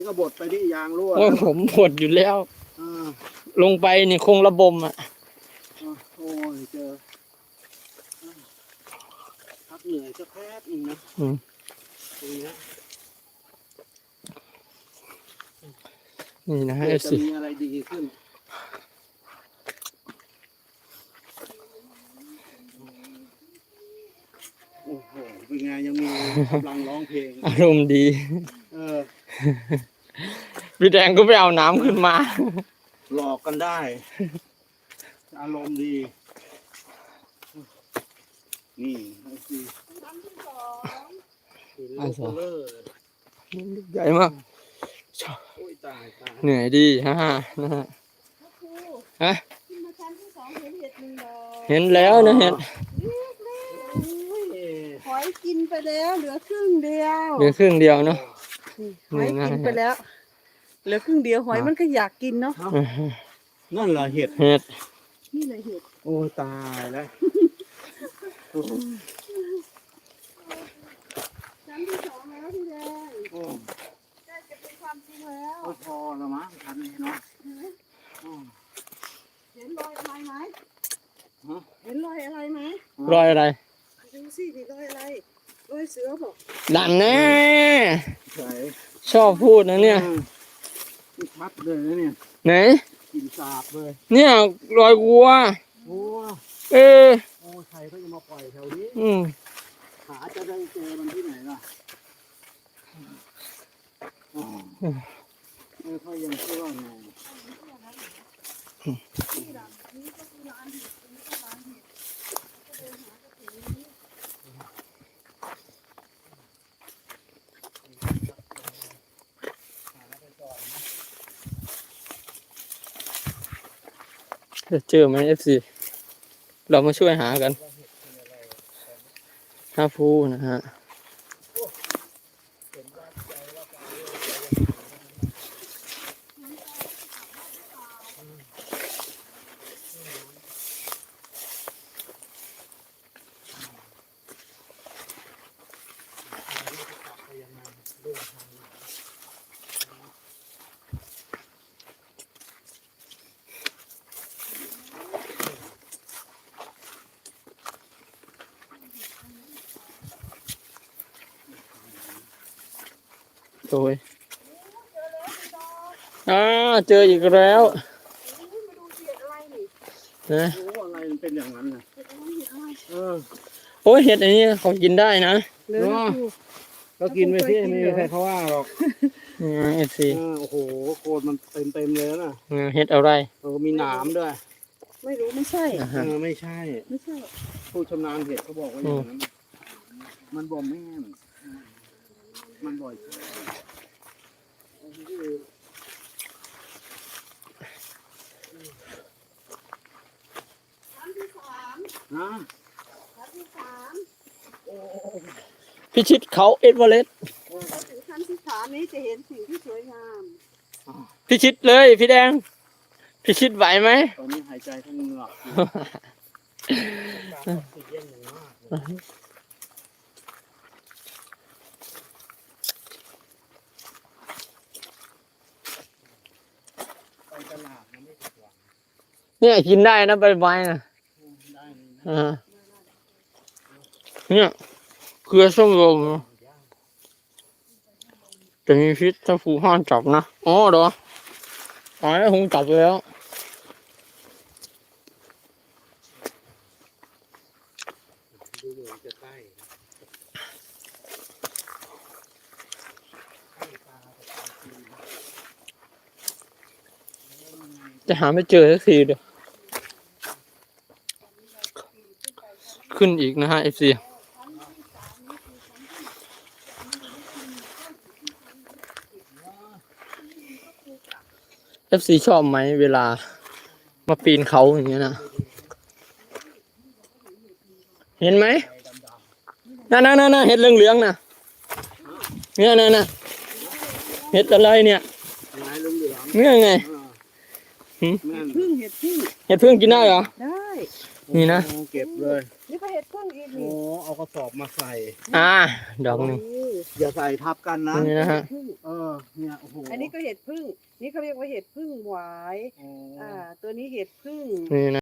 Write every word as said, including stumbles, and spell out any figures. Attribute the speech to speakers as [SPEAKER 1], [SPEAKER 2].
[SPEAKER 1] ก็บดไปที่ยางรั่ว
[SPEAKER 2] โอ้ยผมปวดอยู่แล้ว
[SPEAKER 1] อ่า
[SPEAKER 2] ลงไปนี่คงระบมอ่ะ
[SPEAKER 1] โอ้ยเจอพักเหนื่อยสักแป๊บนึงนะ
[SPEAKER 2] อืม
[SPEAKER 1] ตรงนี้
[SPEAKER 2] นี่นะฮะ
[SPEAKER 1] เดี๋
[SPEAKER 2] เอ
[SPEAKER 1] ยว
[SPEAKER 2] ฟ
[SPEAKER 1] จะ
[SPEAKER 2] ซี
[SPEAKER 1] มีอะไรดีขึ้นโอ้โหเป็นไงยังมีกำลังร้องเพลง
[SPEAKER 2] อารมณ์ดี
[SPEAKER 1] เออ
[SPEAKER 2] พี่แดงก็ไปเอาน้ำขึ้นมา
[SPEAKER 1] หลอกกันได้ อารมณ์ดี นี่ไอ้คือหินลูกเบลอ
[SPEAKER 2] ใหญ่มาก
[SPEAKER 1] โอ้ยตายตาย
[SPEAKER 2] เหนื่อยดีฮ่านะฮะฮะ
[SPEAKER 3] ขึ้นมาชั้นที่สองเห็นเห็ดหนึ่งดอก
[SPEAKER 2] เห็นแล้วนะเห็น
[SPEAKER 3] หอยกินไปแล้วเหลือครึ่งเดียว
[SPEAKER 2] เหลือครึ่งเดียวเนาะ
[SPEAKER 3] หอยกินไปแล้วเหลือครึ่งเดียวหอยมันก็อยากกินเนาะ
[SPEAKER 1] นั่นเหรอเห็ด
[SPEAKER 2] เห็ด
[SPEAKER 3] นี่เลยเห็ด
[SPEAKER 1] โอ้ตายแล้ว
[SPEAKER 3] ชั้นที่สองแล้วพี่แดง
[SPEAKER 1] โอ้
[SPEAKER 3] ใกล้จะเป็นความจริงแล้ว
[SPEAKER 1] พอแล้วมั้งทันนี้เนาะโอ้
[SPEAKER 3] เห็นรอยอะไรไหม
[SPEAKER 1] ฮะ
[SPEAKER 3] เห็นรอยอะไรไหม
[SPEAKER 2] รอยอะไร
[SPEAKER 3] ดูสินี่รอยอะไรรอยเสือบอก
[SPEAKER 2] ดันแน่
[SPEAKER 1] ใส่
[SPEAKER 2] ชอบพูดนะเนี่ย
[SPEAKER 1] นี่ชัดเลยนะเนี่ย
[SPEAKER 2] ไหน
[SPEAKER 1] กลิ่นสาบเลย
[SPEAKER 2] เนี่ยรอยวัว
[SPEAKER 1] โอ้
[SPEAKER 2] เออ
[SPEAKER 1] โอ้ใครเขาจะมาปล่อยแถวนี้
[SPEAKER 2] อืม
[SPEAKER 1] หาจะได้เจอมันที่ไหนล่ะอ๋อเออเขายังเชื่อไง
[SPEAKER 2] จะเจอไหมเอฟซีเรามาช่วยหากันห้าฟูนะฮะโดยอ่าเจออีกแล้ว
[SPEAKER 3] มาดูเห็ดอะไรนี่
[SPEAKER 2] นะ
[SPEAKER 1] รู้ว่าอะไรมันเป็นอย่างนั้นนะ
[SPEAKER 3] เห็ดอะไรเห็ดอะไร
[SPEAKER 1] เออ
[SPEAKER 2] โอ้ยเห็ดอันนี้เขากินได้นะ
[SPEAKER 3] เหลืออยู่
[SPEAKER 1] ก็กินไปที่ไม่มีใครเขาว่าหรอก
[SPEAKER 2] เอฟซี
[SPEAKER 1] เออโอ้โหโคนมันเต็มเต็มๆเลยนะ
[SPEAKER 2] เห็ดอะไร
[SPEAKER 1] เออมีหนามด้วย
[SPEAKER 3] ไม่รู้ไม่ใช่
[SPEAKER 2] อ่า
[SPEAKER 1] เอ
[SPEAKER 2] ฮะ
[SPEAKER 1] อไม่ใช่
[SPEAKER 3] ไม่ใช่
[SPEAKER 1] ผู้ชำนาญเห็ดเขาบอกว่าอย่างนั้น มันบ่มแม่นมันบ่อยใช่
[SPEAKER 3] ชั้นที่สาม
[SPEAKER 1] นะ
[SPEAKER 3] ชั้นที่สาม
[SPEAKER 2] พิชิตเขาเอ็ดเวอเรสต์
[SPEAKER 3] พอถึงชั้นที่สามนี้จะเห็นสิ่งที่สวยงาม
[SPEAKER 2] พิชิตเลยพี่แดง พิชิตไหวไหม
[SPEAKER 1] ตอนนี้หายใจทั้งเหงือกอยู่ออกซิเจนอย่างมากเลยไปตลาดมันไม่ผิดหวัง
[SPEAKER 2] เนี่ยกินได้นะใบไม้นะ
[SPEAKER 1] ได้เลยนะ
[SPEAKER 2] อ่าเนี่ยเกลือส้มลมจะมีพิษถ้าผูห้ามจับนะอ๋อเหรออ๋อแล้วคงจับแล้ว
[SPEAKER 1] ดูเหมือนจะใกล้ใกล้ตาแต่ตาคืน
[SPEAKER 2] จะหาไม่เจอสักทีเดียวขึ้นอีกนะฮะเอฟซีเอฟซีชอบไหมเวลามาปีนเขาอย่างเงี้ยนะเห็นไหมนั่นนั่นนั่นเห็ดเหลืองๆนะเนี่ยนั่นน่ะเห็ดอะไรเนี่ย
[SPEAKER 1] ลายเหลือง
[SPEAKER 2] เนี่ยไง
[SPEAKER 1] ๆอ่าแม่น
[SPEAKER 3] พึ่งเห็ดพึ่ง
[SPEAKER 2] เห็ดเพิ่งกินได้เหรอ
[SPEAKER 3] ได้
[SPEAKER 2] นี่นะ
[SPEAKER 1] โอ้เก็บเลย
[SPEAKER 3] เนี่ก็เห็ดพึ่งอีก
[SPEAKER 1] โอ้
[SPEAKER 3] นี่
[SPEAKER 1] เอากระสอบมาใส่
[SPEAKER 2] อ่าดอกหนึง
[SPEAKER 1] อย่าใส่ทับกันนะ
[SPEAKER 2] นี่นะฮะ
[SPEAKER 3] พึ่ง
[SPEAKER 1] เออเนี่ยโอ้โห
[SPEAKER 3] อันนี้ก็เห็ดพึ่ง นี่เขาเรียกว่าเห็ดพึ่งหวาย
[SPEAKER 1] โอ้
[SPEAKER 3] อ่า ตัวนี้เห็ดพึ่ง
[SPEAKER 2] นี่นะ